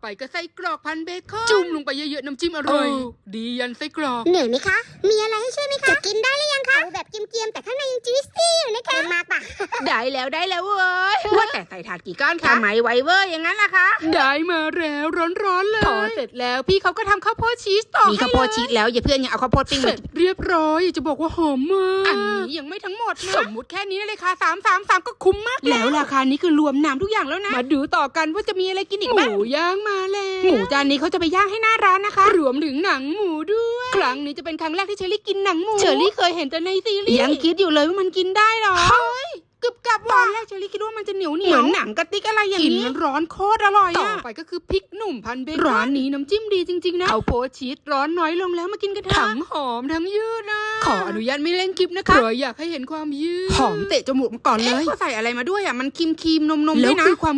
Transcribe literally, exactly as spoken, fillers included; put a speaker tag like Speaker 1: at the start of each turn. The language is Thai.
Speaker 1: ก็ไส้กรอกพันเบคอนจุ่มลงไปเยอะๆน้ำจิ้มอร่อยดียันไส้กรอก
Speaker 2: เหนื่อยไหมคะมีอะไรให้ช่วยไหมคะจะกินได้หรือยังคะเอาแบบเกรียมๆแต่ข้างในยังจุยซี่อยู่นะคะมากปะ
Speaker 3: ได้แล้วได้แล้วเว้ยว่าแต่ใส่ถาดกี่ก้อนคะทำไมไวเวอร์อย่างนั้นล่ะคะ
Speaker 1: ได้มาแล้วร้อนๆเลยพอเสร็จแล้วพี่เขาก็ทำข้าวโพดชีสต่อมี
Speaker 3: ข้าวโพดชีสแล้วอย่าเพื่อนยังเอาข้าวโพดปิ้ง
Speaker 1: เสร็จเรียบร้อยจะบอกว่าหอมมากอัน
Speaker 3: นี้
Speaker 1: นี้ยังไม่ทั้งหมดนะสมมุติแค่นี้เลยค่ะสามสามสามก็คุ้มมากแล้วราคานี้คือรวมน้ำทุกอย่างแล้วนะมาดูต่อกันว่าจะมีอะไรกินอีกบ้างหมูย่างมาแล้วหมูจานนี้เขาจะไปย่างให้หน้าร้านนะคะรวมถึงหนังหมูด้วยครั้งนี้จะเป็นครั้งแรกที่เชอรี่กินหนังหมูเชอรี่เคยเห็นแต่ในซีรีส์ยังคิดอยู่เลยว่ามันกินได้หรอเฮ้ยกึบกับตอนแรกเชอรี่คิดว่ามันจะเหนียวเหนียว
Speaker 3: เหมือนหนังกระติกอะไรอย่างนี้
Speaker 1: กินร้อนโคตรอร่อยต่อไปก็คือพริกหนุ่มพันเบคอนร้านนี้น้ำจิ้มดีจริงๆนะเอาโพชีสร้อนน้อยลงแล้วมากินกันเถอะทั้งหอมทั้งยืดนะขออนุญาตไม่เล่นคลิปนะคะเพราะอยากให้เห็นความยืดหอมเตะจมูกมาก่อนเลยเขาใส่อะไรมาด้วยอ่ะมันครีมครีมนมนมด้วยนะแล้วคือความ